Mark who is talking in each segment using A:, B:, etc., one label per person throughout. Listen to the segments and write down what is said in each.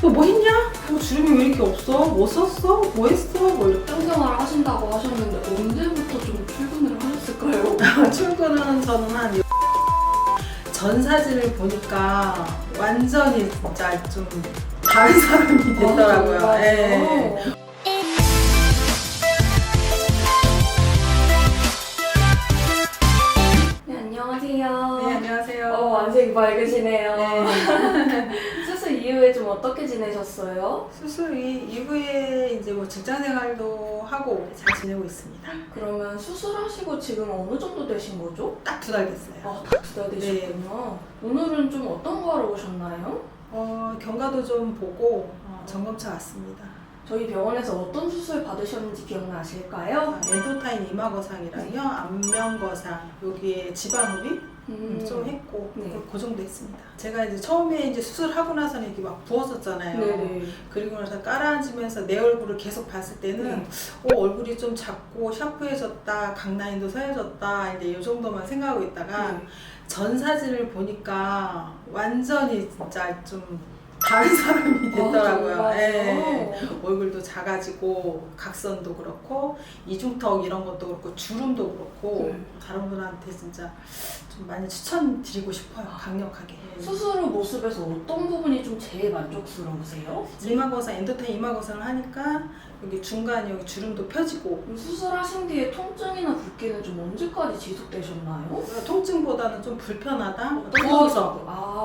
A: 뭐 했냐? 뭐 주름이 왜 이렇게 없어? 뭐 썼어? 뭐 했어? 뭐 이렇게.
B: 직장생활 하신다고 하셨는데 언제부터 좀 출근을 하셨을까요?
A: 출근은 저는 한 전 사진을 보니까 완전히 진짜 좀 다른 사람이 됐더라고요.
B: 아,
A: 예.
B: 네, 안녕하세요.
A: 네, 안녕하세요.
B: 완색이 밝으시네요.
A: 네.
B: 수술 이후에 좀 어떻게 지내셨어요?
A: 수술 이후에 이제 뭐 직장 생활도 하고 잘 지내고 있습니다.
B: 그러면 수술하시고 지금 어느 정도 되신 거죠?
A: 딱 2달 됐어요.
B: 아, 딱 2달 되셨군요. 오늘은 좀 어떤 거 하러 오셨나요?
A: 경과도 좀 보고 점검차 왔습니다.
B: 저희 병원에서 어떤 수술 받으셨는지 기억나실까요?
A: 엔도타인 이마거상이랑요, 안면거상, 여기에 지방흡입 좀 했고,
B: 네.
A: 그 정도 했습니다. 제가 이제 처음에 이제 수술하고 나서는 이게 막 부었었잖아요.
B: 네네.
A: 그리고 나서 깔아앉으면서 내 얼굴을 계속 봤을 때는 얼굴이 좀 작고 샤프해졌다, 강라인도 서해졌다, 이제 이 정도만 생각하고 있다가 전 사진을 보니까 완전히 진짜 좀 다른 사람이 됐더라고요.
B: 아,
A: 예. 얼굴도 작아지고 각선도 그렇고 이중턱 이런 것도 그렇고 주름도 그렇고 다른 분한테 진짜 좀 많이 추천드리고 싶어요. 강력하게.
B: 수술 후 모습에서 어떤 부분이 좀 제일 만족스러우세요?
A: 이마거상, 엔도타인 이마거상을 하니까 여기 중간 여기 주름도 펴지고
B: 수술하신 뒤에 통증이나 붓기는 좀 언제까지 지속되셨나요?
A: 통증보다는 좀 불편하다? 부어서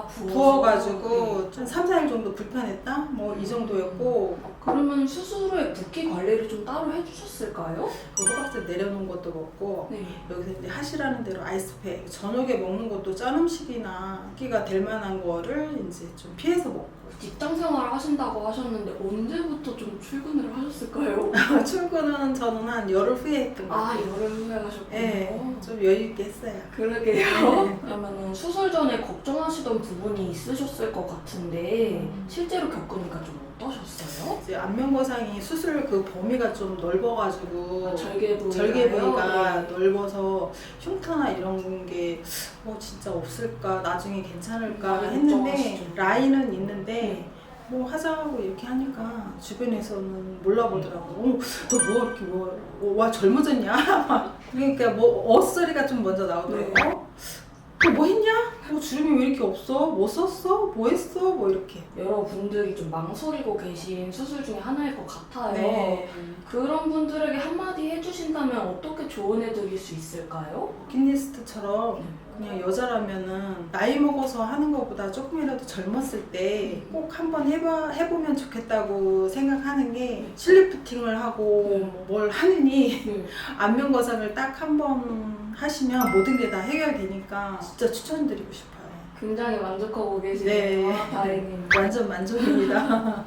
A: 부어가지고 좀 3, 4일 정도 불편했다? 뭐 이 정도였고
B: 그러면 수술 후에 붓기 관리를 좀 따로 해주셨을까요?
A: 그 호박즙 내려놓은 것도 먹고 여기서 이제 하시라는 대로 아이스팩 저녁에 먹는 것도 짠 음식이나 끼가 될 만한 거를 이제 좀 피해서 먹고
B: 직장 생활 하신다고 하셨는데 언제부터 좀 출근을 하셨을까요?
A: 출근은 저는 한 열흘 후에 했던 것 같아요.
B: 여름 후에 하셨군요.
A: 네, 좀 여유 있게 했어요.
B: 그러게요. 그러면은 수술 전에 걱정하시던 부분이 있으셨을 것 같은데 실제로 겪으니까 좀 어떠셨어요?
A: 이제 안면거상이 수술 그 범위가 좀 넓어가지고 절개부위가 넓어서 흉터나 이런 게 진짜 없을까 나중에 괜찮을까 했는데 라인은 있는데 뭐 하자고 이렇게 하니까 주변에서는 몰라보더라고. 너 뭐 이렇게 와 젊어졌냐? 그러니까 뭐 엇소리가 좀 먼저 나오더라고. 너 뭐 했냐? 뭐 주름이 왜 이렇게 없어? 뭐 썼어? 뭐 했어? 뭐 이렇게.
B: 여러분들이 좀 망설이고 계신 수술 중에 하나일 것 같아요.
A: 네.
B: 그런 분들에게 한마디 해주신다면 어떻게 조언해드릴 수 있을까요?
A: 버킷리스트처럼 그냥 여자라면은 나이 먹어서 하는 것보다 조금이라도 젊었을 때 꼭 한번 해보면 좋겠다고 생각하는 게 실리프팅을 하고 뭘 하느니 안면거상을 딱 한번 하시면 모든 게 다 해결되니까 진짜 추천드리고 싶어요.
B: 굉장히 만족하고 계시네요.
A: 네.
B: 다행입니다.
A: 완전 만족입니다.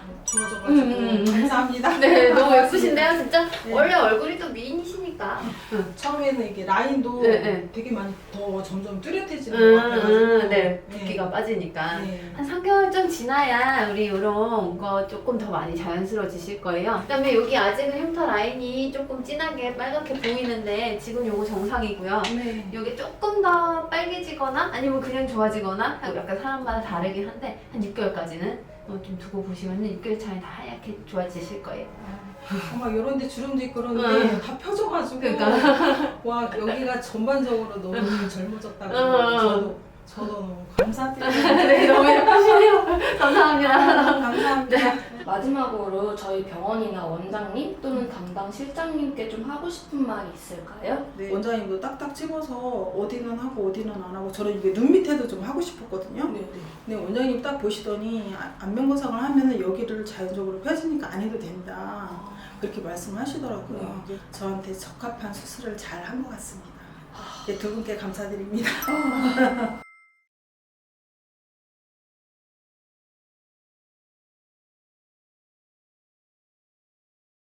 A: 좋아져가지고 감사합니다.
C: 네, 너무 예쁘신데요, 진짜?
A: 네.
C: 원래 얼굴이 또 미인이시니까.
A: 처음에는 이게 라인도
C: 네.
A: 되게 많이 더 점점 뚜렷해지는 것 같아가지고
C: 네, 붓기가 빠지니까.
A: 네.
C: 한 3개월 좀 지나야 우리 이런 거 조금 더 많이 자연스러워지실 거예요. 그 다음에 여기 아직은 흉터 라인이 조금 진하게 빨갛게 보이는데 지금 요거 정상이고요.
A: 네.
C: 여기 조금 더 빨개지거나 아니면 그냥 좋아지거나 약간 사람마다 다르긴 한데 한 6개월까지는 좀 두고 보시면 6개월 차에 다 하얗게 좋아지실 거예요.
A: 막 이런 데 주름도 있고 그런데 다 펴져가지고
C: 그러니까.
A: 와 여기가 전반적으로 너무 젊어졌다고 저도 너무 감사드립니다.
C: 네, 너무 예쁘시네요. 감사합니다.
A: 감사합니다.
B: 마지막으로 저희 병원이나 원장님 또는 담당 실장님께 좀 하고 싶은 말이 있을까요?
A: 네, 원장님도 딱딱 집어서 어디는 하고 어디는 안 하고 저는 이게 눈 밑에도 좀 하고 싶었거든요. 근데 원장님 딱 보시더니 안면거상을 하면은 여기를 자연적으로 펴지니까 안 해도 된다. 그렇게 말씀하시더라고요. 저한테 적합한 수술을 잘 한 것 같습니다. 두 분께 감사드립니다.